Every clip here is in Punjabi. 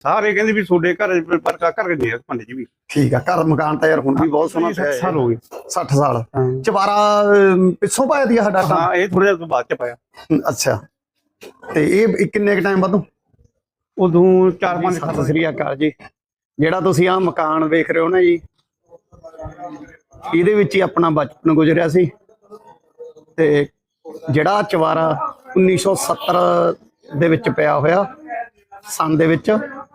ਸਾਰੇ ਕਹਿੰਦੇ ਵੀ ਤੁਹਾਡੇ ਘਰ ਪਰ ਘਰ ਦੇ ਪਿੰਡ 'ਚ ਵੀ ਠੀਕ ਆ। ਘਰ ਮਕਾਨ ਤਾਂ ਯਾਰ ਹੁਣ ਵੀ ਬਹੁਤ ਸੋਹਣਾ 60 ਸਾਲ ਹੋ ਗਏ। 60 ਸਾਲ ਚਵਾਰਾ ਪਿੱਛੋਂ ਪਾਇਆ ਦੀ ਸਾਡਾ ਹਾਂ ਇਹ ਥੋੜਾ ਜਿਹਾ ਬਾਅਦ 'ਚ ਪਾਇਆ। ਅੱਛਾ ਤੇ ਇਹ ਕਿੰਨੇ ਕ ਟਾਈਮ ਬਾਅਦੋਂ? ਉਦੋਂ 4-5 ਸਾਲ। ਸਤਿ ਸ੍ਰੀ ਅਕਾਲ ਜੀ। ਜਿਹੜਾ ਤੁਸੀਂ ਆਹ ਮਕਾਨ ਵੇਖ ਰਹੇ ਹੋ ਨਾ ਜੀ, ਇਹਦੇ ਵਿੱਚ ਹੀ ਆਪਣਾ ਬਚਪਨ ਗੁਜ਼ਰਿਆ ਸੀ। ਤੇ ਜਿਹੜਾ ਚਵਾਰਾ 1970 ਦੇ ਵਿੱਚ ਪਿਆ ਹੋਇਆ ਸੰਨ ਦੇ ਵਿੱਚ,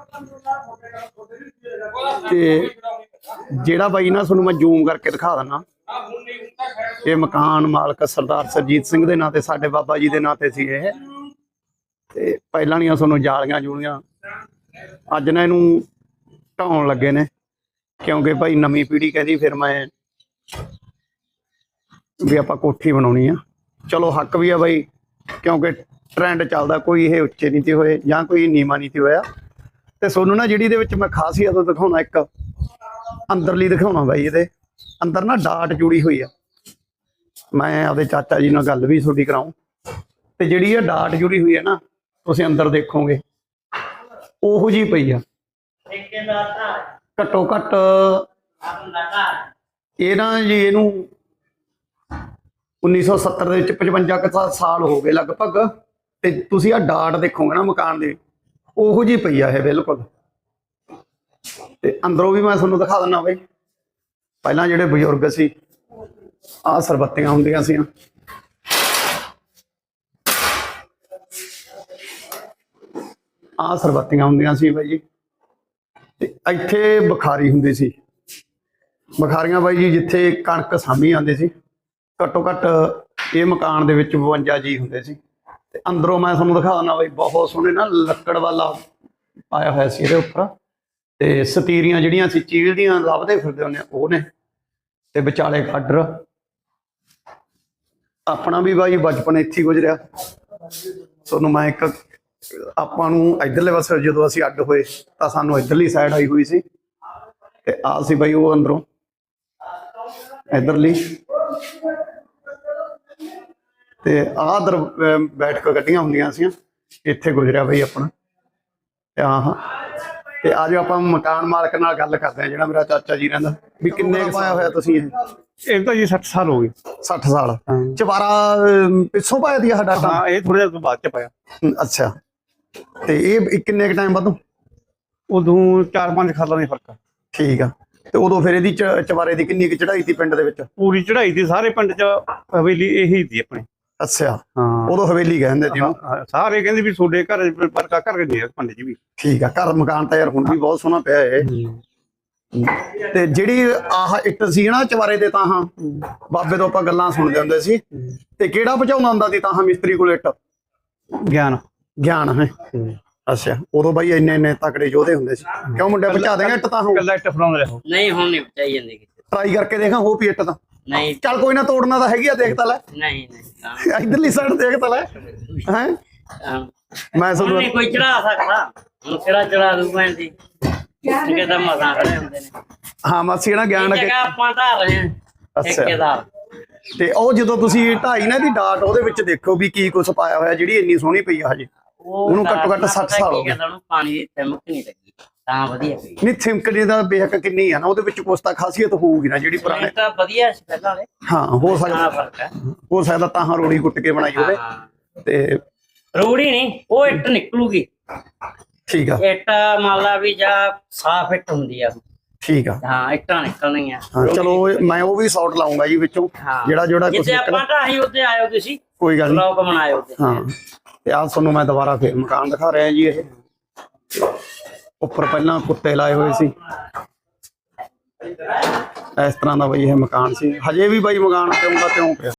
ਤੇ ਜਿਹੜਾ ਬਾਈ ਨਾ ਤੁਹਾਨੂੰ ਮੈਂ ਜ਼ੂਮ ਕਰਕੇ ਦਿਖਾ ਦਿੰਦਾ, ਇਹ ਮਕਾਨ ਮਾਲਕ ਸਰਦਾਰ ਸਰਜੀਤ ਸਿੰਘ ਦੇ ਨਾਂ ਤੇ, ਸਾਡੇ ਬਾਬਾ ਜੀ ਦੇ ਨਾਂ ਤੇ ਸੀ ਇਹ। ਤੇ ਪਹਿਲਾਂ ਦੀਆਂ ਤੁਹਾਨੂੰ ਜਾਲੀਆਂ ਜੂਲੀਆਂ ਅੱਜ ਨਾ ਇਹਨੂੰ ਢਾਉਣ ਲੱਗੇ ਨੇ, ਕਿਉਂਕਿ ਭਾਈ ਨਵੀਂ ਪੀੜ੍ਹੀ ਕਹਿੰਦੀ ਫਿਰ ਮੈਂ ਵੀ ਆਪਾਂ ਕੋਠੀ ਬਣਾਉਣੀ ਆ। ਚਲੋ ਹੱਕ ਵੀ ਆ ਬਾਈ, ਕਿਉਂਕਿ ਟ੍ਰੈਂਡ ਚੱਲਦਾ, ਕੋਈ ਇਹ ਉੱਚੇ ਨਹੀਂ ਤੇ ਹੋਏ ਜਾਂ ਕੋਈ ਨੀਵਾਂ ਨਹੀਂ ਤੇ ਹੋਇਆ। ਤੇ ਤੁਹਾਨੂੰ ਨਾ ਜਿਹੜੀ ਇਹਦੇ ਵਿੱਚ ਮੈਂ ਖਾਸੀਅਤ ਦਿਖਾਉਣਾ, ਇੱਕ ਅੰਦਰਲੀ ਦਿਖਾਉਣਾ ਬਾਈ। ਇਹਦੇ ਅੰਦਰ ਨਾ ਡਾਟ ਜੁੜੀ ਹੋਈ ਆ। ਮੈਂ ਆਪਦੇ ਚਾਚਾ ਜੀ ਨਾਲ ਗੱਲ ਵੀ ਤੁਹਾਡੀ ਕਰਾਉਂ। ਤੇ ਜਿਹੜੀ ਇਹ ਡਾਟ ਜੁੜੀ ਹੋਈ ਹੈ ਨਾ, ਤੁਸੀਂ ਅੰਦਰ ਦੇਖੋਗੇ ਉਹੋ ਜਿਹੀ ਪਈ ਆ। ਘੱਟੋ ਘੱਟ ਇਹ ਨਾ ਜੀ ਇਹਨੂੰ 1970 ਦੇ ਵਿੱਚ 55 ਸਾਲ ਹੋ ਗਏ ਲਗਭਗ। ਤੇ ਤੁਸੀਂ ਆ ਡਾਟ ਦੇਖੋਗੇ ਨਾ ਮਕਾਨ ਦੇ, ਉਹੋ ਜਿਹੀ ਪਈ ਆ ਇਹ ਬਿਲਕੁਲ। ਤੇ ਅੰਦਰੋਂ ਵੀ ਮੈਂ ਤੁਹਾਨੂੰ ਦਿਖਾ ਦਿੰਦਾ ਬਈ। ਪਹਿਲਾਂ ਜਿਹੜੇ ਬਜ਼ੁਰਗ ਸੀ, ਆਹ ਸਰਬੱਤੀਆਂ ਹੁੰਦੀਆਂ ਸੀ, ਆਹ ਸਰਬੱਤੀਆਂ ਹੁੰਦੀਆਂ ਸੀ ਬਾਈ ਜੀ। ਤੇ ਇੱਥੇ ਬੁਖਾਰੀ ਹੁੰਦੀ ਸੀ। ਬੁਖਾਰੀਆਂ ਬਾਈ ਜੀ ਜਿੱਥੇ ਕਣਕ ਸਾਂਭੀ ਜਾਂਦੇ ਸੀ। ਘੱਟੋ ਘੱਟ ਇਹ ਮਕਾਨ ਦੇ ਵਿੱਚ 52 ਜੀ ਹੁੰਦੇ ਸੀ। ਤੇ ਅੰਦਰੋਂ ਮੈਂ ਤੁਹਾਨੂੰ ਦਿਖਾ ਦਿੰਦਾ ਬਾਈ, ਬਹੁਤ ਸੋਹਣੇ ਨਾ ਲੱਕੜ ਵਾਲਾ ਪਾਇਆ ਹੋਇਆ ਸੀ ਇਹਦੇ ਉੱਪਰ। ਤੇ ਸਤੀਰੀਆਂ ਜਿਹੜੀਆਂ ਸੀ ਚੀਲ ਦੀਆਂ ਲੱਭਦੇ ਫਿਰਦੇ ਹੁੰਦੇ ਉਹ ਨੇ। ਤੇ ਵਿਚਾਲੇ ਗਾਡਰ। ਆਪਣਾ ਵੀ ਬਾਈ ਬਚਪਨ ਇੱਥੇ ਗੁਜ਼ਰਿਆ। ਤੁਹਾਨੂੰ ਮੈਂ ਇੱਕ, ਆਪਾਂ ਨੂੰ ਇੱਧਰਲੇ ਪਾਸੇ ਜਦੋਂ ਅਸੀਂ ਅੱਡ ਹੋਏ ਤਾਂ ਸਾਨੂੰ ਇੱਧਰਲੀ ਸਾਈਡ ਆਈ ਹੋਈ ਸੀ। ਤੇ ਆਹ ਸੀ ਬਾਈ ਉਹ ਅੰਦਰੋਂ ਇੱਧਰਲੀ। ਤੇ ਆਹ ਦਰ ਬੈਠ ਕੇ ਗੱਡੀਆਂ ਹੁੰਦੀਆਂ ਸੀ, ਇੱਥੇ ਗੁਜ਼ਰਿਆ ਬਈ ਆਪਣਾ। ਤੇ ਆਹ ਤੇ ਆ ਜਾਓ ਆਪਾਂ ਮਕਾਨ ਮਾਲਕ ਨਾਲ ਗੱਲ ਕਰਦੇ ਹਾਂ, ਜਿਹੜਾ ਮੇਰਾ ਚਾਚਾ ਜੀ ਰਹਿੰਦਾ। ਵੀ ਕਿੰਨੇ ਕੁ ਪਾਇਆ ਹੋਇਆ ਤੁਸੀਂ ਇਹ? ਤਾਂ ਜੀ 60 ਸਾਲ ਹੋ ਗਏ। 60 ਸਾਲ ਚਵਾਰਾ ਪਿੱਛੋਂ ਪਾਇਆ ਦੀ ਸਾਡਾ? ਹਾਂ ਇਹ ਥੋੜਾ ਜਿਹਾ ਬਾਅਦ 'ਚ ਪਾਇਆ। ਅੱਛਾ ਤੇ ਇਹ ਕਿੰਨੇ ਕ ਟਾਈਮ ਬਾਅਦੋਂ? ਉਦੋਂ 4-5 ਸਾਲਾਂ ਦਾ ਫਰਕ ਆ। ਠੀਕ ਆ। ਤੇ ਉਦੋਂ ਫਿਰ ਇਹਦੀ ਚਵਾਰੇ ਦੀ ਕਿੰਨੀ ਕੁ ਚੜਾਈ ਸੀ ਪਿੰਡ ਦੇ ਵਿੱਚ? ਪੂਰੀ ਚੜਾਈ ਦੀ ਸਾਰੇ ਪਿੰਡ 'ਚ ਹਵੇਲੀ ਇਹੀ ਸੀ ਆਪਣੀ। ਅੱਛਾ ਹਾਂ ਉਦੋਂ ਹਵੇਲੀ ਕਹਿੰਦੇ ਸੀ। ਸਾਰੇ ਕਹਿੰਦੇ ਵੀ ਤੁਹਾਡੇ ਘਰ ਪਰ ਘਰ ਦੇ ਪਿੰਡ 'ਚ ਵੀ। ਠੀਕ ਆ। ਘਰ ਮਕਾਨ ਤਾਂ ਯਾਰ ਹੁਣ ਵੀ ਬਹੁਤ ਸੋਹਣਾ ਪਿਆ ਇਹ। ਤੇ ਜਿਹੜੀ ਆਹ ਇੱਟ ਸੀ ਨਾ ਚਵਾਰੇ ਦੇ, ਤਾਹਾਂ ਬਾਬੇ ਤੋਂ ਆਪਾਂ ਗੱਲਾਂ ਸੁਣਦੇ ਹੁੰਦੇ ਸੀ। ਤੇ ਕਿਹੜਾ ਪਹੁੰਚਾਉਂਦਾ ਹੁੰਦਾ ਸੀ ਤਾਹਾਂ ਮਿਸਤਰੀ ਕੋਲ ਇੱਟ? ਗਿਆਨ ਹੈ। ਅੱਛਾ ਉਦੋਂ ਬਾਈ ਇੰਨੇ ਤਕੜੇ ਯੋਧੇ ਹੁੰਦੇ ਸੀ। ਕਿਉਂ ਮੁੰਡੇ ਪਹੁੰਚਾ ਦੇਗਾ ਇੱਟ ਤਾਂ? ਕੱਲਾ ਇੱਟ ਫੜਾਉਂਦੇ ਰਹੋ। ਨਹੀਂ ਹੁਣ ਨਹੀਂ ਪਹੁੰਚਾਈ ਜਾਂਦੀ। ਟਰਾਈ ਕਰਕੇ ਦੇਖਾਂ ਹੋ ਵੀ ਇੱਟ ਤਾਂ? ਨਹੀਂ ਚੱਲ ਕੋਈ ਨਾ, ਤੋੜਨਾ ਤਾਂ ਹੈਗੀ ਆ, ਦੇਖ ਤਾਂ ਲੈ। ਨਹੀਂ ਇਧਰਲੀ ਸਾਈਡ ਦੇਖ ਤਾਂ ਲੈ। ਹੈ ਮੈਂ ਹੁਣ ਨਹੀਂ ਕੋਈ ਚੜਾ ਸਕਦਾ। ਹੁਣ ਕਿਹੜਾ ਚੜਾ ਦੂ ਭੈਣ ਦੀ? ਕਿਉਂਕਿ ਤਾਂ ਮਸਾਂ ਖੜੇ ਹੁੰਦੇ ਨੇ। ਹਾਂ ਮਾਸੀ ਨਾ ਗਿਆਨ ਇਹ ਜਗ੍ਹਾ ਆਪਾਂ ਢਾਹ ਰਹੇ ਹਾਂ ਠੇਕੇਦਾਰ। ਤੇ ਉਹ ਜਦੋਂ ਤੁਸੀਂ ਢਾਈ ਨਾ ਦੀ ਡਾਟ, ਉਹਦੇ ਵਿੱਚ ਦੇਖੋ ਵੀ ਕੀ ਕੁਛ ਪਾਇਆ ਹੋਇਆ, ਜਿਹੜੀ ਇੰਨੀ ਸੋਹਣੀ ਪਈ ਆ ਹਜੇ। ਉਹਨੂੰ ਘੱਟੋ ਘੱਟ 60 ਸਾਲ ਹੋ ਗਏ। ਪਾਣੀ ਦੀ ਤਿਮਕ ਨਹੀਂ ਲੱਗੀ ਤਾਂ ਵਧੀਆ ਪਈ। ਨਹੀਂ ਥਿਮਕਣੀ ਦਾ ਬੇਹੱਕ ਕਿੰਨੀ ਆ ਨਾ, ਉਹਦੇ ਵਿੱਚ ਕੁਛ ਤਾਂ ਖਾਸੀਅਤ ਹੋਊਗੀ ਨਾ ਜਿਹੜੀ ਪੁਰਾਣੇ। ਤਾਂ ਵਧੀਆ ਸੀ ਪਹਿਲਾਂ ਵਾਲੇ। ਹਾਂ ਹੋ ਸਕਦਾ, ਫਰਕ ਹੈ। ਹੋ ਸਕਦਾ ਤਾਂ ਰੋੜੀ ਕੁੱਟ ਕੇ ਬਣਾਈ ਹੋਵੇ। ਤੇ ਰੂੜੀ ਨਹੀਂ, ਉਹ ਇੱਟ ਨਿਕਲੂਗੀ। ਠੀਕ ਆ। ਇੱਟ ਮੰਨ ਲਾ ਵੀ ਜਾਂ ਸਾਫ ਇੱਟ ਹੁੰਦੀ ਆ। ਠੀਕ ਆ। ਹਾਂ ਇੱਟਾਂ ਨਿਕਲਣੀਆਂ। ਹਾਂ ਚਲੋ ਮੈਂ ਉਹ ਵੀ ਸ਼ਾਟ ਲਾਉਂਗਾ ਜੀ ਵਿੱਚੋਂ, ਜਿਹੜਾ ਕੁਛ ਜਿੱਥੇ ਆਪਾਂ ਢਾਹੀ ਉੱਤੇ ਆਇਓ ਤੁਸੀਂ, ਕੋਈ ਗੱਲ ਨਹੀਂ। ਲੋਕ ਬਣਾਇਓ। ਹਾਂ ਤੇ ਆਹ ਤੁਹਾਨੂੰ ਮੈਂ ਦੁਬਾਰਾ ਫੇਰ ਮਕਾਨ ਦਿਖਾ ਰਿਹਾ ਜੀ। ਇਹ ਉੱਪਰ ਪਹਿਲਾਂ ਕੁੱਤੇ ਲਾਏ ਹੋਏ ਸੀ, ਇਸ ਤਰ੍ਹਾਂ ਦਾ ਬਈ ਇਹ ਮਕਾਨ ਸੀ। ਹਜੇ ਵੀ ਬਾਈ ਮਕਾਨ ਕਿਉਂ ਦਾ ਕਿਉਂ ਪਿਆ।